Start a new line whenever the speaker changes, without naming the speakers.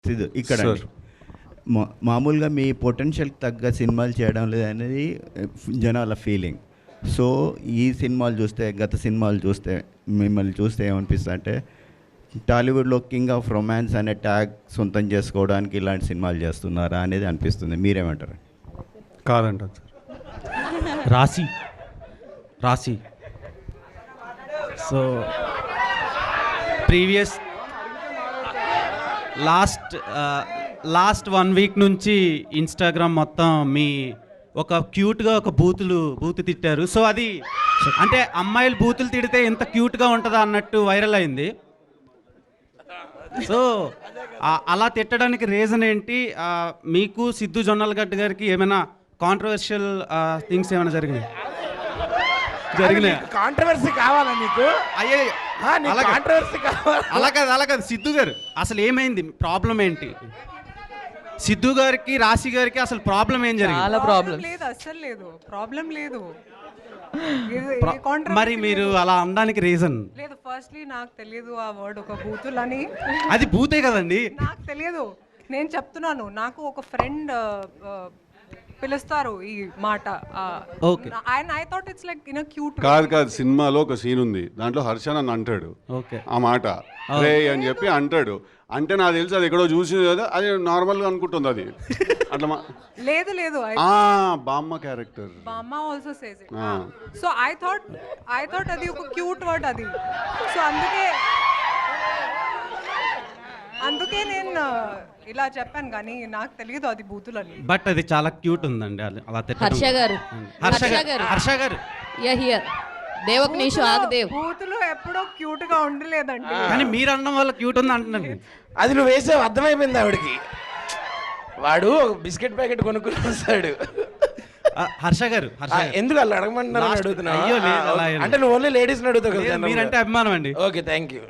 సిద్ధు ఇక్కడ
సార్.
మామూలుగా మీ పొటెన్షియల్కి తగ్గ సినిమాలు చేయడం లేదనేది జనాల ఫీలింగ్. సో ఈ సినిమాలు చూస్తే, గత సినిమాలు చూస్తే, మిమ్మల్ని చూస్తే ఏమనిపిస్తుంది అంటే టాలీవుడ్లో కింగ్ ఆఫ్ రొమాన్స్ అనే ట్యాగ్ సొంతం చేసుకోవడానికి ఇలాంటి సినిమాలు చేస్తున్నారా అనేది అనిపిస్తుంది. మీరేమంటారు?
కాదంటారు sir.
Raashi so previous last 1 week నుంచి ఇన్స్టాగ్రామ్ మొత్తం మీ ఒక క్యూట్గా ఒక బూతు తిట్టారు. సో అది అంటే అమ్మాయిలు బూతులు తిడితే ఎంత క్యూట్గా ఉంటుందా అన్నట్టు వైరల్ అయింది. సో అలా తిట్టడానికి రీజన్ ఏంటి? మీకు సిద్ధు జొన్నలగడ్డ గారికి ఏమైనా కాంట్రవర్షియల్ థింగ్స్ ఏమైనా జరిగినాయి?
కాంట్రవర్సీ కావాలా నీకు?
అయ్యే
కాంట్రవర్సీ కావాలి.
అలా కాదు సిద్ధు గారు, అసలు ఏమైంది? ప్రాబ్లం ఏంటి? సిద్ధు గారికి రాశి గారికి అసలు ప్రాబ్లం ఏం జరిగింది?
చాలా ప్రాబ్లం
లేదు, అస్సలు లేదు, ప్రాబ్లం లేదు.
మరి మీరు అలా అనడానికి రీజన్
లేదు. ఫస్ట్లీ నాకు తెలియదు ఆ వర్డ్ ఒక బూతులని.
అది బూతే కదండి.
నాకు తెలియదు, నేను చెప్తున్నాను. నాకు ఒక ఫ్రెండ్ పిలుస్తారు ఈ మాట. I thought it's like in cute.
కాదు సినిమాలో ఒక సీన్ ఉంది, దాంట్లో హర్ష నన్ను అంటాడు ఆ మాట రే అని చెప్పి అంటాడు. అంటే నాకు తెలుసు అది ఎక్కడో చూసి కదా, అది నార్మల్గా అనుకుంటుంది అది అట్లా.
లేదు
బామ్మ క్యారెక్టర్
బామ్మ also says it. So I thought అది ఒక క్యూట్ వర్డ్ అది. సో అందుకే నేను ఇలా చెప్పాను, కానీ నాకు తెలియదు అది బూతులని.
బట్ అది చాలా క్యూట్ ఉందండి. అలా హర్ష గారు
దేవక్ నీషు ఆగదేవ్
బూతులు ఎప్పుడో క్యూట్ గా ఉండలేదండి.
కానీ మీరు అనడం వల్ల క్యూట్ ఉంది అంటున్నారు.
అది నువ్వు వేసావు, అర్థమైపోయింది ఆవిడకి. వాడు ఒక బిస్కెట్ ప్యాకెట్ కొనుక్కుని వస్తాడు.
హర్ష గారు
ఎందుకు అలా అడగమంటున్నారు అడుగుతున్నా?
అయ్యో,
అంటే నువ్వు ఓన్లీ లేడీస్ అడుగుతావు కదా.
మీరంటే అభిమానం అండి.
Okay, thank you.